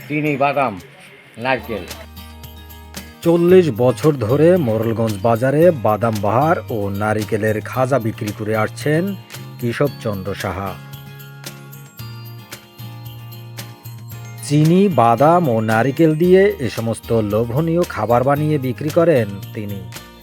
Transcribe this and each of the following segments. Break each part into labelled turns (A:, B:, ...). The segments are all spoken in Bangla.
A: চিনি, বাদাম, নারকেল।
B: 40 বছর ধরে মোড়লগঞ্জ বাজারে বাদাম বাহার ও নারিকেলের খাজা বিক্রি করে আসছেন কেশবচন্দ্র সাহা। চিনি, বাদাম ও নারিকেল দিয়ে এ সমস্ত লোভনীয় খাবার বানিয়ে বিক্রি করেন তিনি।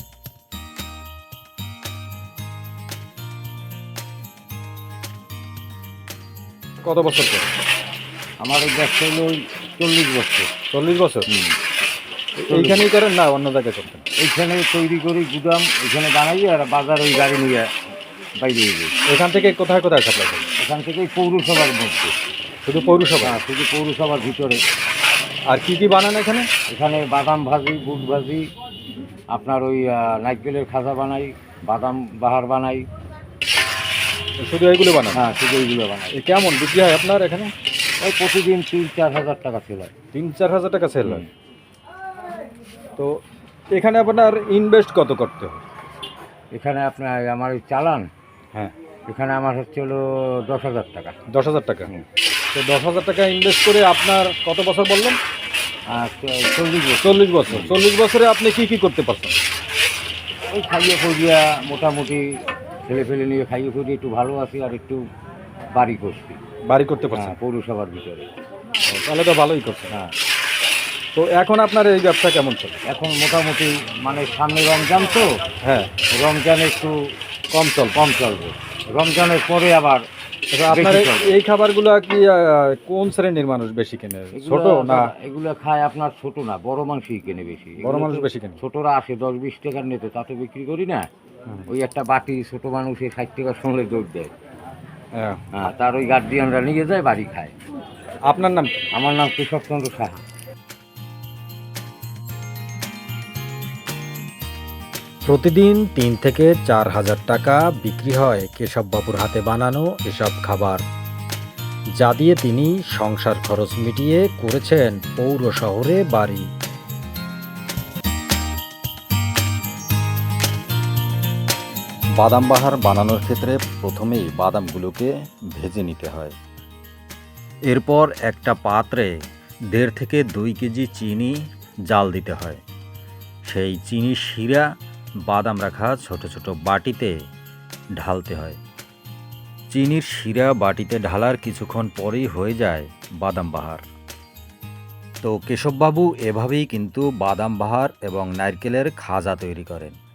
B: কত বছর পরে?
A: আমার ওই ব্যবসা হলো ওই 40 বছর।
B: 40 বছর। এইখানেই করেন না অন্য জায়গায় করতেন?
A: এইখানে তৈরি করি, গুদাম এখানে বানাই, আর বাজার ওই গাড়ি নিয়ে বাইরে যাই।
B: এখান থেকে কোথায় কোথায় সাপ্লাই করেন?
A: এখান থেকে ওই পৌরসভার মধ্যে।
B: শুধু পৌরসভা?
A: হ্যাঁ, শুধু পৌরসভার ভিতরে।
B: আর কি কি বানান এখানে?
A: এখানে বাদাম ভাজি, বুট ভাজি, আপনার ওই নারকেলের খাজা বানাই, বাদাম বাহার বানাই।
B: শুধু এইগুলো বানান?
A: হ্যাঁ, শুধু এইগুলো বানাই।
B: কেমন বিক্রি হয় আপনার এখানে?
A: ওই প্রতিদিন 3-4 হাজার টাকা সেল হয়।
B: 3-4 হাজার টাকা সেল হয়। তো এখানে আপনার ইনভেস্ট কত করতে হয়?
A: এখানে আপনার আমার ওই চালান,
B: হ্যাঁ,
A: এখানে আমার হচ্ছে হলো 10,000 টাকা।
B: 10,000 টাকা। তো 10,000 টাকা ইনভেস্ট করে আপনার কত বছর বললেন?
A: আর 40 বছর।
B: 40 বছর। 40 বছরে আপনি কি কি করতে পারছেন?
A: ওই খাইয়ে খুঁজিয়া মোটামুটি ছেলে ফেলে নিয়ে খাইয়ে খুঁজিয়ে একটু ভালো আছি, আর একটু বাড়ি করছি।
B: বাড়ি করতে পারছেন?
A: হ্যাঁ, পৌরসভার ভিতরে।
B: তাহলে তো ভালোই করছেন।
A: হ্যাঁ,
B: তো এখন আপনার এই ব্যবসা কেমন চলে?
A: এখন মোটামুটি মানে সামনে রমজান তো,
B: হ্যাঁ,
A: রমজানে একটু কম চলবে। রমজানের পরে আবার
B: আপনার
A: বেশি চলবে।
B: এই খাবারগুলো কি কোন শ্রেণীর মানুষ বেশি কেনে? ছোট না?
A: এগুলো খায় আপনার ছোট না, বড় মানুষই কেনে বেশি।
B: বড় মানুষ বেশি কেনে?
A: ছোটরা আসে 10-20 টাকার নিতে, তাতে বিক্রি করি না। ওই একটা বাটি ছোট মানুষে 60 টাকার সঙ্গে দৌড় দেয়।
B: হ্যাঁ।
A: হ্যাঁ, তার ওই গার্জিয়ানরা নিয়ে যায়, বাড়ি খায়।
B: আপনার নাম কি?
A: আমার নাম কেশবচন্দ্র সাহা।
B: প্রতিদিন 3 থেকে 4 হাজার টাকা বিক্রি হয় কেশববাবুর হাতে বানানো এসব খাবার, যা দিয়ে তিনি সংসার খরচ মিটিয়ে করেছেন পৌর শহরে বাড়ি। বাদাম বাহার বানানোর ক্ষেত্রে প্রথমেই বাদামগুলোকে ভেজে নিতে হয়। এরপর একটা পাত্রে 1.5 থেকে 2 কেজি চিনি জাল দিতে হয়। সেই চিনির শিরা বাদাম রাখা ছোট ছোট বাটিতে ঢালতে হয়। চিনির শিরা বাটিতে ঢালার কিছুক্ষণ পরেই হয়ে যায় বাদাম বাহার। তো কেশববাবু এভাবেই কিন্তু বাদাম বাহার এবং নারকেলের খাজা তৈরি করেন।